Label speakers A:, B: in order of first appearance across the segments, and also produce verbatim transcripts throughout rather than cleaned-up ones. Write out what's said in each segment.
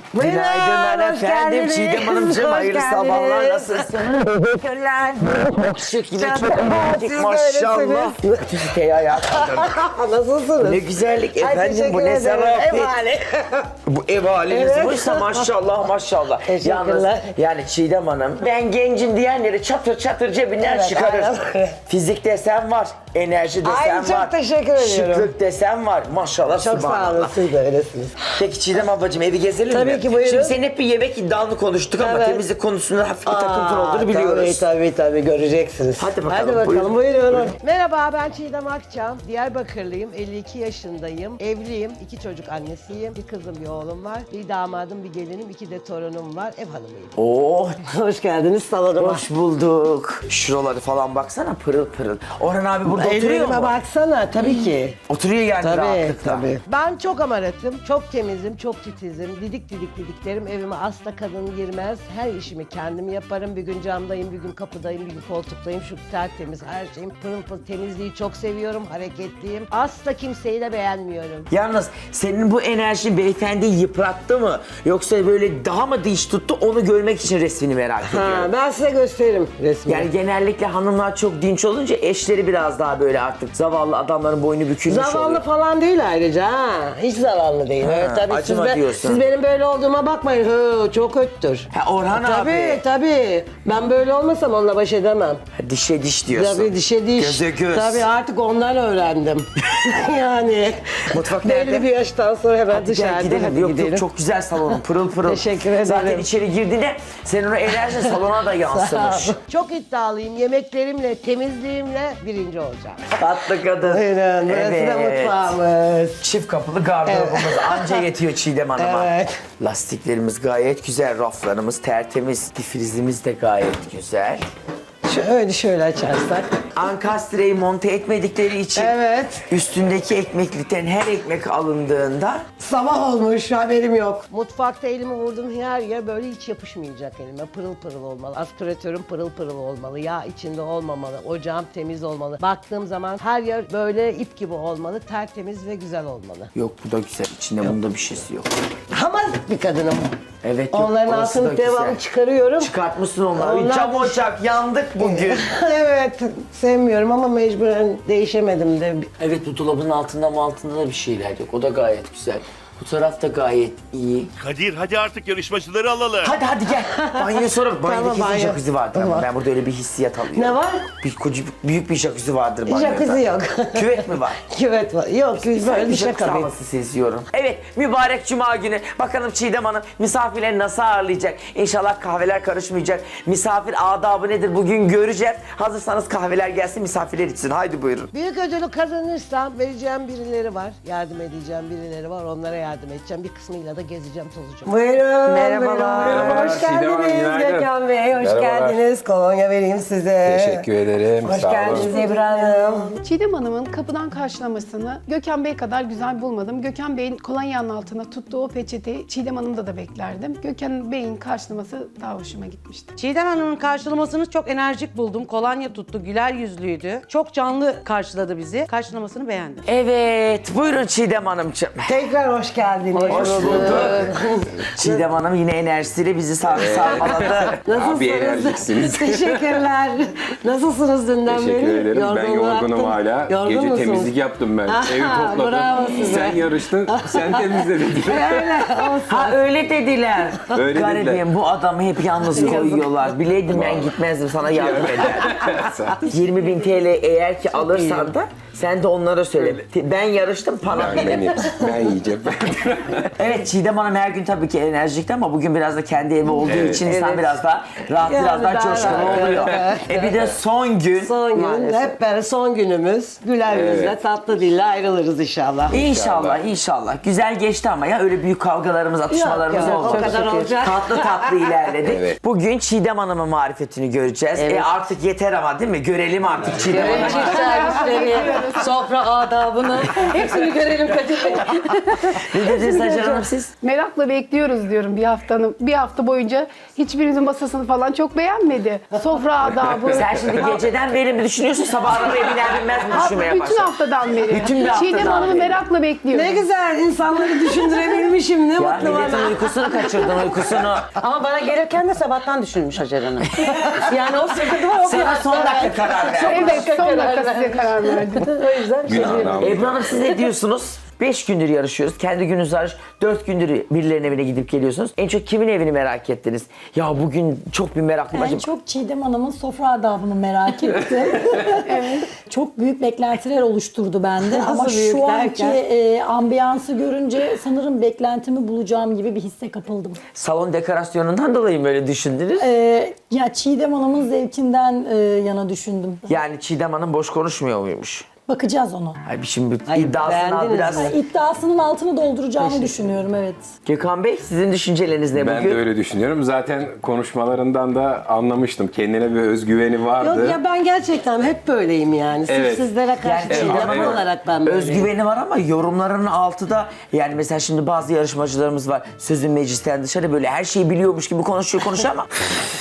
A: Günaydınlar
B: hoş
A: efendim.
B: geldiniz.
A: Çiğdem Hanımcığım
B: Hoş
A: hayırlı
B: geldiniz.
A: sabahlar. Nasılsınız?
B: Teşekkürler.
A: Şık yine çok
B: Canım,
A: enerjik
B: siz
A: maşallah. Tüsiteyi ayağa kaldırdım.
B: Nasılsınız?
A: Ne güzellik
B: Ay,
A: efendim,
B: teşekkür
A: bu ne
B: ederim.
A: zarafet.
B: Ev hali.
A: Bu ev haliniz
B: Evet.
A: buysa maşallah maşallah.
B: Teşekkürler.
A: Yalnız yani Çiğdem Hanım, ben gencim diyenleri çatır çatır cebinden
B: Evet,
A: çıkarır.
B: aynen.
A: Fizik desen var, enerji desen
B: Ay, çok
A: var.
B: teşekkür ediyorum.
A: Şıklık desen var. Maşallah
B: Çok sağ olun,
A: subhanallah.
B: siz de öylesiniz.
A: Peki Çiğdem ablacığım evi gezelim
B: Tabii
A: mi?
B: ki, buyurun.
A: Şimdi senin hep bir yemek iddianı konuştuk ama
B: Evet.
A: temizlik konusunda hafif bir takıntın
B: Aa,
A: olduğunu biliyoruz.
B: Tabii tabii tabii göreceksiniz.
A: Hadi bakalım,
B: Hadi bakalım
A: buyurun.
B: buyurun.
C: Merhaba, ben Çiğdem Akçam. Diyarbakırlıyım, elli iki yaşındayım. Evliyim, iki çocuk annesiyim. Bir kızım, bir oğlum var. Bir damadım, bir gelinim, iki de torunum var. Ev hanımıyım.
A: Oh,
B: Hoş geldiniz salonuma.
A: hoş bulduk. Şuraları falan baksana pırıl pırıl. Orhan abi burada oturuyor
B: Ellerime
A: mu?
B: baksana tabii ki.
A: Oturuyor yani
B: Tabii
A: rahatlıkla.
B: tabii.
C: Ben çok amaratım, çok temizim, çok titizim. Didik didik didiklerim. Evime asla kadın girmez. Her işimi kendim yaparım. Bir gün camdayım, bir gün kapıdayım, bir gün koltuktayım. Şu tertemiz her şeyim. Pırıl pırıl temizliği çok seviyorum. Hareketliyim. Asla kimseyi de beğenmiyorum.
A: Yalnız senin bu enerjin beyefendiyi yıprattı mı? Yoksa böyle daha mı diş tuttu onu görmek için resmini merak ediyorum.
B: Ha, ben size gösteririm resmi.
A: Yani genellikle hanımlar çok dinç olunca eşleri biraz daha böyle artık zavallı adamların boynu bükülmüş
B: Zavallı
A: oluyor.
B: falan değil ayrıca ha. Hiç zavallı değil.
A: Ha,
B: Evet, tabii siz,
A: acıma
B: be-
A: diyorsun.
B: siz benim böyle olduğuma bakmayın. Hı, çok kötüdür.
A: Ha, Orhan
B: Tabii
A: abi.
B: tabii. Ben böyle olmasam onunla baş edemem.
A: Ha, dişe diş diyorsun.
B: Tabii dişe diş.
A: Göze göz.
B: Tabii artık ondan öğrendim. yani.
A: Mutfak nerede?
B: Belli bir yaştan sonra hemen
A: Hadi gel
B: dışarıda.
A: gidelim.
B: hadi
A: Yok
B: gidelim.
A: yok çok güzel salonun pırıl pırıl.
B: Teşekkür ederim.
A: Zaten içeri girdiğinde senin o enerjin salona da yansımış.
C: Çok iddialıyım. Yemeklerimle, temizliğimle birinci olacağım.
A: Tatlı kadın.
B: Buyurun. Burası da mutfağımız.
A: Çift kapılı gardırobumuz anca yetiyor Çiğdem Hanım'a.
B: Evet.
A: Lastiklerimiz gayet güzel, raflarımız tertemiz, difrizimiz de gayet güzel.
B: Şöyle şöyle açarsak.
A: Ankastreyi monte etmedikleri için
B: Evet.
A: üstündeki ekmeklikten her ekmek alındığında
B: Sabah olmuş haberim yok.
C: Mutfakta elimi vurdum her yer böyle hiç yapışmayacak elime. Pırıl pırıl olmalı. Aspiratörüm pırıl pırıl olmalı. Yağ içinde olmamalı. Ocağım temiz olmalı. Baktığım zaman her yer böyle ip gibi olmalı. Tertemiz ve güzel olmalı.
A: yok bu da güzel, içinde bunda bir şeysi yok.
B: Hamazik bir kadınım.
A: Evet yok,
B: Onların
A: orası da
B: altını devamlı
A: güzel.
B: çıkarıyorum.
A: Çıkartmışsın onları.
B: Onlar-
A: Cam ocak yandık bugün.
B: Evet, sevmiyorum ama mecburen değişemedim de.
A: Evet bu dolabın altında mı altında da bir şeyler yok. O da gayet güzel. Bu taraf da gayet iyi.
D: Kadir hadi artık yarışmacıları alalım.
A: Hadi hadi gel. Banyoya sonra banyoda
B: Tamam,
A: kesin
B: banyo.
A: jacuzzi vardır ama
B: Var.
A: ben burada öyle bir hissiyat alıyorum.
B: Ne var?
A: Bir koca, büyük bir jacuzzi vardır banyoda.
B: Jacuzzi yok.
A: Küvet mi var?
B: Küvet var. Yok, böyle
A: Böyle
B: bir
A: bir
B: şaka değil.
A: havası seziyorum. Evet, mübarek cuma günü. Bakalım Çiğdem Hanım misafirleri nasıl ağırlayacak? İnşallah kahveler karışmayacak. Misafir adabı nedir bugün göreceğiz. Hazırsanız kahveler gelsin, misafirler içsin. Haydi buyurun.
C: Büyük ödülü kazanırsam vereceğim birileri var. Yardım edeceğim birileri var. Onlara yardım edeceğim. Bir kısmıyla da gezeceğim, tozacağım.
B: Buyurun.
E: Merhabalar.
B: buyurun. Hoş
E: Merhabalar, Çiğdem Hanım,
B: geldiniz
E: günaydın.
B: Gökhan Bey. Hoş
E: Merhabalar.
B: geldiniz. Kolonya vereyim size.
E: Teşekkür ederim.
B: Hoş
E: Sağ olun.
B: geldiniz Ebru Hanım.
F: Çiğdem Hanım'ın kapıdan karşılamasını Gökhan Bey kadar güzel bulmadım. Gökhan Bey'in kolonyanın altına tuttuğu o peçeteyi Çiğdem Hanım'da da beklerdim. Gökhan Bey'in karşılaması daha hoşuma gitmişti.
G: Çiğdem Hanım'ın karşılamasını çok enerjik buldum. Kolonya tuttu, güler yüzlüydü. Çok canlı karşıladı bizi. Karşılamasını beğendim.
A: Evet, buyurun Çiğdem Hanımcığım.
B: Tekrar hoş geldiniz.
A: Hoş bulduk. Çiğdem Hanım yine enerjisiyle bizi sar sarmaladı.
E: Abi enerjiksiniz.
B: Teşekkürler. Nasılsınız dünden beri?
E: Teşekkür ederim. Ben
B: Yorgunluğu
E: yorgunum
B: attın.
E: hala.
B: Yorgun
E: Gece
B: musunuz?
E: temizlik yaptım ben.
B: Aha,
E: Evi topladım.
B: bravo size.
E: Sen yarıştın, sen temizledin.
B: Öyle olsun.
A: Ha öyle dediler.
E: Öyle
A: Garibim
E: dediler.
A: bu adamı hep yalnız koyuyorlar. Bileydim ben gitmezdim sana yardım ederdim. yirmi bin T L eğer ki alırsan da sen de onlara söyle. Ben yarıştım para
E: Yani
A: verin.
E: beni, ben yiyeceğim.
A: Evet Çiğdem Hanım her gün tabii ki enerjikti ama bugün biraz da kendi evi olduğu
E: Evet.
A: için insan
B: Evet.
A: biraz daha rahat,
B: Yani
A: biraz daha
B: daha
A: coşkun
B: rahat,
A: oluyor.
B: evet.
A: E bir de son gün.
B: Son gün,
A: Maalesef.
B: hep beraber son günümüz. Güler yüzle,
E: Evet.
B: tatlı dille ayrılırız inşallah.
A: İnşallah, inşallah. Güzel geçti ama ya öyle büyük kavgalarımız, atışmalarımız
B: yok,
A: oldu.
B: o kadar olacak.
A: Tatlı tatlı ilerledik.
E: Evet.
A: Bugün Çiğdem Hanım'ın marifetini göreceğiz. E artık yeter ama değil mi? Görelim artık Çiğdem Hanım'ı.
G: Çift servisleri, sofra adabını hepsini görelim Kadir Bey.
A: Ne dediniz Hacer Hanım siz?
F: Merakla bekliyoruz diyorum bir haftanın. Bir hafta boyunca hiçbirimizin masasını falan çok beğenmedi. Sofra adabı.
A: Sen şimdi geceden beri mi düşünüyorsun, sabah arabaya biner binmez mi düşünmeye
F: Bütün
A: başladın?
F: haftadan beri.
A: Bütün bir haftadan
F: Çiğdem Hanım'ı
A: beri.
F: merakla bekliyorum.
C: Ne güzel insanları düşündürebilmişim ne
A: Ya
C: mutlu
A: milletin
C: bana.
A: uykusunu kaçırdın, uykusunu.
G: Ama bana gelirken de sabahtan düşünmüş Hacer Hanım. Yani o sıkıntı var.
A: Sana son dakika karar ver.
F: Evet son dakika size karar verdim.
C: O yüzden
E: Günahını aldım.
A: Ebru Hanım siz ne diyorsunuz? Beş gündür yarışıyoruz. Kendi gününüz hariç dört gündür birilerinin evine gidip geliyorsunuz. En çok kimin evini merak ettiniz? Ya bugün çok bir meraklıyım.
H: Ben
A: Acaba-
H: çok Çiğdem Hanım'ın sofra adabını merak ettim. evet. Çok büyük beklentiler oluşturdu bende. Ama
C: büyük
H: şu anki
C: derken?
H: e, ambiyansı görünce sanırım beklentimi bulacağım gibi bir hisse kapıldım.
A: Salon dekorasyonundan dolayı mı öyle düşündünüz?
H: E, ya Çiğdem Hanım'ın zevkinden e, yana düşündüm.
A: Yani Çiğdem Hanım boş konuşmuyor muymuş?
H: Bakacağız ona.
A: Ay şimdi
C: Ay,
A: iddiasını al
C: beğendiniz
A: biraz.
C: mi?
H: İddiasının altını dolduracağını düşünüyorum, evet.
A: Gökhan Bey sizin düşünceleriniz ne
E: Ben
A: bugün?
E: de öyle düşünüyorum. Zaten konuşmalarından da anlamıştım. Kendine bir özgüveni vardı.
C: Yok ya ben gerçekten hep böyleyim yani. Sırf
E: Evet.
C: sizlere karşı
A: Yani
C: Çiğdem
E: evet.
C: olarak ben böyleyim.
A: Özgüveni var ama yorumlarının altı da yani mesela şimdi bazı yarışmacılarımız var. Sözün meclisten dışarı böyle her şeyi biliyormuş gibi konuşuyor konuşuyor ama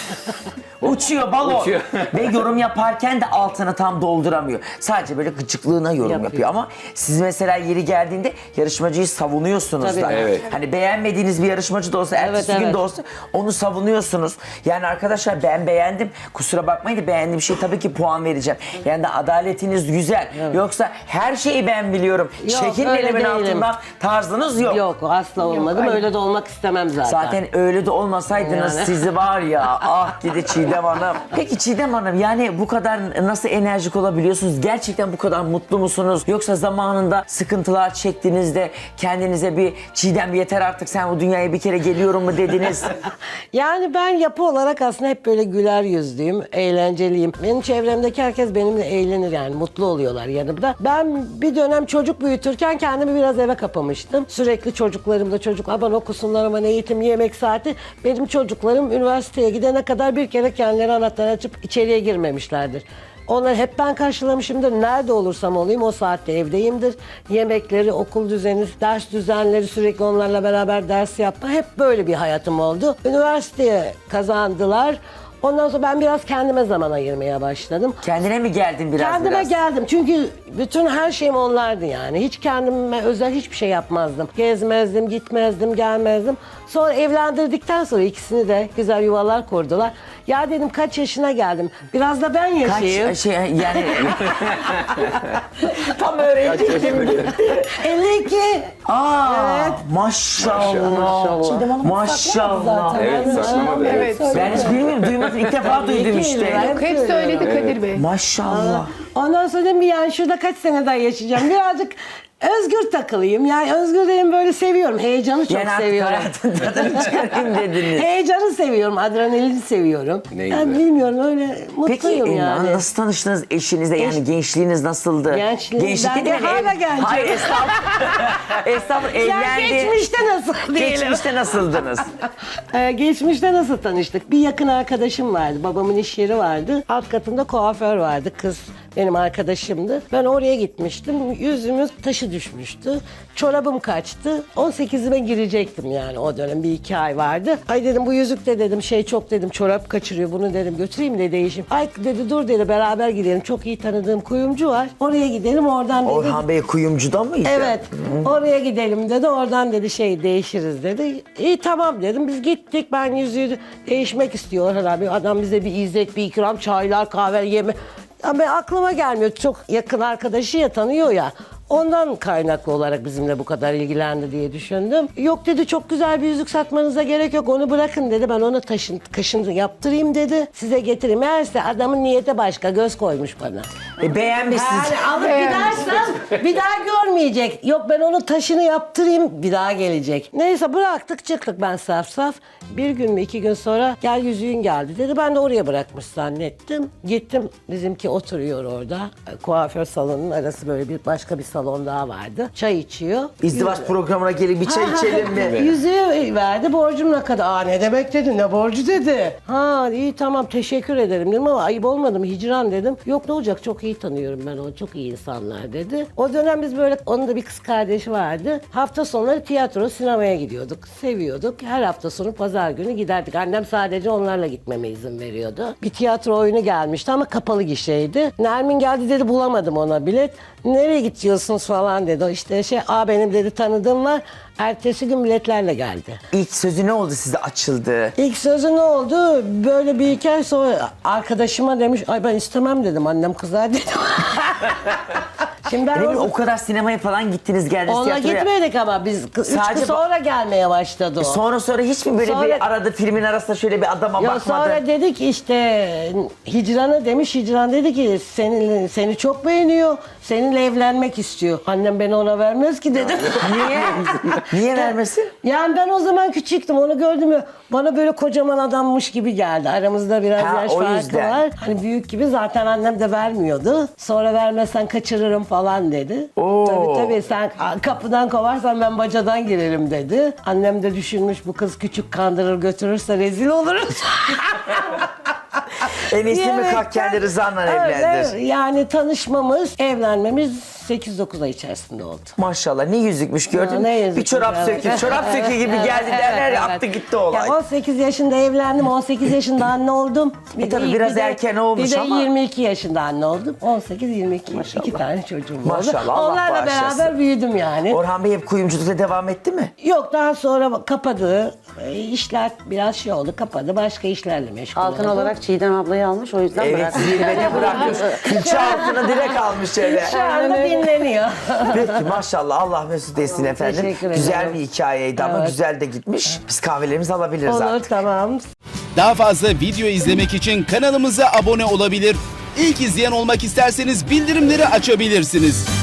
A: uçuyor balon.
E: Uçuyor.
A: Ve yorum yaparken de altını tam dolduramıyor. Sadece böyle gıcıklığına yorum yapıyor.
C: Yapıyor.
A: Ama siz mesela yeri geldiğinde yarışmacıyı savunuyorsunuz
C: Tabii.
A: da.
E: Evet.
A: Hani beğenmediğiniz bir yarışmacı da olsa, ertesi
C: Evet,
A: gün
C: evet.
A: de olsa onu savunuyorsunuz. Yani arkadaşlar ben beğendim. Kusura bakmayın da beğendiğim şey tabii ki puan vereceğim. Yani de adaletiniz güzel. Yoksa her şeyi ben biliyorum.
C: Yok,
A: Çekin
C: öyle
A: elimin
C: değilim.
A: altından tarzınız yok.
C: Yok asla olmadım.
F: hayır.
C: Öyle de olmak istemem zaten.
A: Zaten öyle de olmasaydınız
C: Yani.
A: sizi var ya ah gidi Çiğdem Hanım. Peki Çiğdem Hanım yani bu kadar nasıl enerjik olabiliyorsunuz? Gerçekten bu kadar mutlu musunuz? Yoksa zamanında sıkıntılar çektiğinizde kendinize bir Çiğdem yeter artık sen bu dünyaya bir kere geliyorum mu dediniz?
C: Yani ben yapı olarak aslında hep böyle güler yüzlüyüm, eğlenceliyim. Benim çevremdeki herkes benimle eğlenir yani mutlu oluyorlar yanımda. Ben bir dönem çocuk büyütürken kendimi biraz eve kapamıştım. Sürekli çocuklarımla çocuk aman okusunlar aman eğitim yemek saati. Benim çocuklarım üniversiteye gidene kadar bir kere kendileri anahtarı açıp içeriye girmemişlerdir. Onları hep ben karşılamışımdır. Nerede olursam olayım o saatte evdeyimdir. Yemekleri, okul düzeni, ders düzenleri sürekli onlarla beraber ders yapma. Hep böyle bir hayatım oldu. Üniversiteye kazandılar. Ondan sonra ben biraz kendime zaman ayırmaya başladım.
A: Kendine mi geldin biraz
C: Kendime
A: biraz?
C: geldim çünkü bütün her şeyim onlardı yani. Hiç kendime özel hiçbir şey yapmazdım. Gezmezdim, gitmezdim, gelmezdim. Sonra evlendirdikten sonra ikisini de güzel yuvalar kurdular. Ya dedim kaç yaşına geldim. Biraz da ben yaşayayım.
A: Kaç şey yani tam öğrenecektim.
C: elli iki.
A: Aa
C: Evet.
A: maşallah.
H: Çiğdem Hanım
A: Maşallah.
H: saklamadı zaten.
E: Evet,
H: Ben-
E: saklamadı,
H: Ben
E: evet.
H: söyledim.
A: Ben hiç bilmiyorum duymadım ilk defa duydum
C: İki
A: işte.
C: yıl,
F: Yok, hep söyledi Kadir Bey.
A: Maşallah.
C: Ondan sonra dedim yani şurada kaç sene daha yaşayacağım. Birazcık özgür takılayım. Yani özgür dedim böyle seviyorum. Heyecanı çok
A: Yani artık
C: seviyorum.
A: hayatın tadını çıkarayım dediniz.
C: Heyecanı seviyorum. Adrenalini seviyorum.
E: Ne
C: yani
E: güzel.
C: bilmiyorum öyle
A: Peki
C: mutluyum
A: e,
C: yani.
A: nasıl tanıştınız eşinizle yani gençliğiniz nasıldı?
C: Gençliğim-
A: Gençlik
C: ben de
A: dedim,
C: hala
A: ev-
C: gencim.
A: Hayır estağfurullah. Estağfurullah
C: Yani
A: evlendi.
C: geçmişte nasıl diyelim.
A: Geçmişte nasıldınız?
C: Ee, geçmişte nasıl tanıştık? Bir yakın arkadaşım vardı. Babamın iş yeri vardı. Alt katında kuaför vardı. Kız benim arkadaşımdı. Ben oraya gitmiştim. Yüzümüz taşı düşmüştü. Çorabım kaçtı. on sekizime girecektim yani o dönem. Bir iki ay vardı. Ay dedim bu yüzük de dedim şey çok dedim çorap kaçırıyor. Bunu dedim götüreyim de değişim. Ay dedi dur dedi beraber gidelim. Çok iyi tanıdığım kuyumcu var. Oraya gidelim oradan dedi.
A: Orhan Bey kuyumcuda mıydı?
C: Evet. Oraya gidelim dedi. Oradan dedi şey değişiriz dedi. İyi tamam dedim. Biz gittik. Ben yüzüğü değişmek istiyor Orhan abi. Adam bize bir izzet, bir ikram, çaylar, kahve, yeme. Ama aklıma gelmiyor. Çok yakın arkadaşı ya tanıyor ya. Ondan kaynaklı olarak bizimle bu kadar ilgilendi diye düşündüm. Yok dedi çok güzel bir yüzük satmanıza gerek yok onu bırakın dedi. Ben ona taşın, kaşını yaptırayım dedi. Size getireyim. Meğerse adamın niyeti başka göz koymuş bana.
A: E, beğenmişsiniz.
C: Yani alıp gidersem bir daha görmeyecek. Yok ben onun taşını yaptırayım bir daha gelecek. Neyse bıraktık çıktık ben saf saf. Bir gün mü iki gün sonra gel yüzüğün geldi dedi. Ben de oraya bırakmış zannettim. Gittim bizimki oturuyor orada. Kuaför salonunun arası böyle bir başka bir salon daha vardı. Çay içiyor.
A: İzdivaç programına gelip bir çay içelim mi?
C: Yüzüğü verdi borcum ne kadar? Aa ne demek dedi ne borcu dedi. Ha iyi tamam teşekkür ederim dedim ama ayıp olmadı mı hicran dedim. Yok ne olacak çok iyi iyi tanıyorum ben onu. Çok iyi insanlar dedi. O dönem biz böyle, onun da bir kız kardeşi vardı. Hafta sonları tiyatro, sinemaya gidiyorduk. Seviyorduk. Her hafta sonu pazar günü giderdik. Annem sadece onlarla gitmeme izin veriyordu. Bir tiyatro oyunu gelmişti ama kapalı gişeydi. Nermin geldi dedi, bulamadım ona bilet. Nereye gidiyorsunuz falan dedi. O işte şey, aa benim dedi tanıdığım var. Ertesi gün biletlerle geldi.
A: İlk sözü ne oldu size açıldı?
C: İlk sözü ne oldu? Böyle bir iki ay sonra arkadaşıma demiş, ay ben istemem dedim, annem kızar dedim. Şimdi ben
A: Ne bileyim,
C: o,
A: o kadar sinemaya falan gittiniz geldiniz
C: onunla
A: tiyatroya.
C: gitmedik ama biz üç
A: Sadece
C: gün sonra gelmeye başladı o.
A: Sonra sonra hiç mi böyle
C: Sonra-
A: bir arada filmin arasında şöyle bir adama
C: Ya
A: bakmadı?
C: sonra dedik işte Hicran'a demiş, Hicran dedi ki seni, seni çok beğeniyor, seninle evlenmek istiyor. Annem beni ona vermez ki dedim.
A: Niye? Niye vermesin?
C: Yani ben o zaman küçüktüm, onu gördüm ya, bana böyle kocaman adammış gibi geldi. Aramızda biraz
A: Ha,
C: yaş
A: o
C: farkı
A: yüzden.
C: var. Hani büyük gibi, zaten annem de vermiyordu. Sonra vermezsen kaçırırım falan dedi.
A: Oo.
C: Tabii tabii, sen kapıdan kovarsan ben bacadan girerim dedi. Annem de düşünmüş, bu kız küçük, kandırır götürürse rezil oluruz.
A: En iyisi mi
C: Diyerek-
A: kalk kendi rızanla
C: Evet,
A: evlendir.
C: evet. Yani tanışmamız, evlenmemiz sekiz dokuz ay içerisinde oldu.
A: Maşallah ne yüzükmüş gördün
C: Ya,
A: mü?
C: ne
A: Bir
C: yüzükmüş,
A: çorap
C: evet.
A: sökü, çorap sökü gibi
C: Evet,
A: geldi
C: evet,
A: derler ya,
C: evet.
A: attı gitti olay.
C: Ya on sekiz yaşında evlendim, on sekiz yaşında anne oldum.
A: E tabii biraz
C: de-
A: erken olmuş
C: bir de
A: ama.
C: yirmi iki yaşında anne oldum. on sekiz yirmi iki, iki tane çocuğum oldu.
A: Maşallah, Allah
C: Onlarla
A: bağışlasın.
C: beraber büyüdüm yani.
A: Orhan Bey hep kuyumculukla devam etti mi?
C: Yok, daha sonra kapadı. E, işler biraz şey oldu, kapadı. Başka işlerle meşgul
I: Altın
C: oldu.
I: olarak Çiğdem ablayı almış, o yüzden
A: Evet,
I: bıraktı.
A: zirvede bırakmış. Külçe altına direkt almış eve.
C: Şu anda dinleniyor.
A: Peki maşallah, Allah mesut etsin efendim.
C: Teşekkür
A: Güzel
C: ederim.
A: bir hikayeydi ama
C: Evet.
A: güzel de gitmiş. Biz kahvelerimizi alabiliriz
C: Olur,
A: artık.
C: tamam.
J: Daha fazla video izlemek için kanalımıza abone olabilir. İlk izleyen olmak isterseniz bildirimleri açabilirsiniz.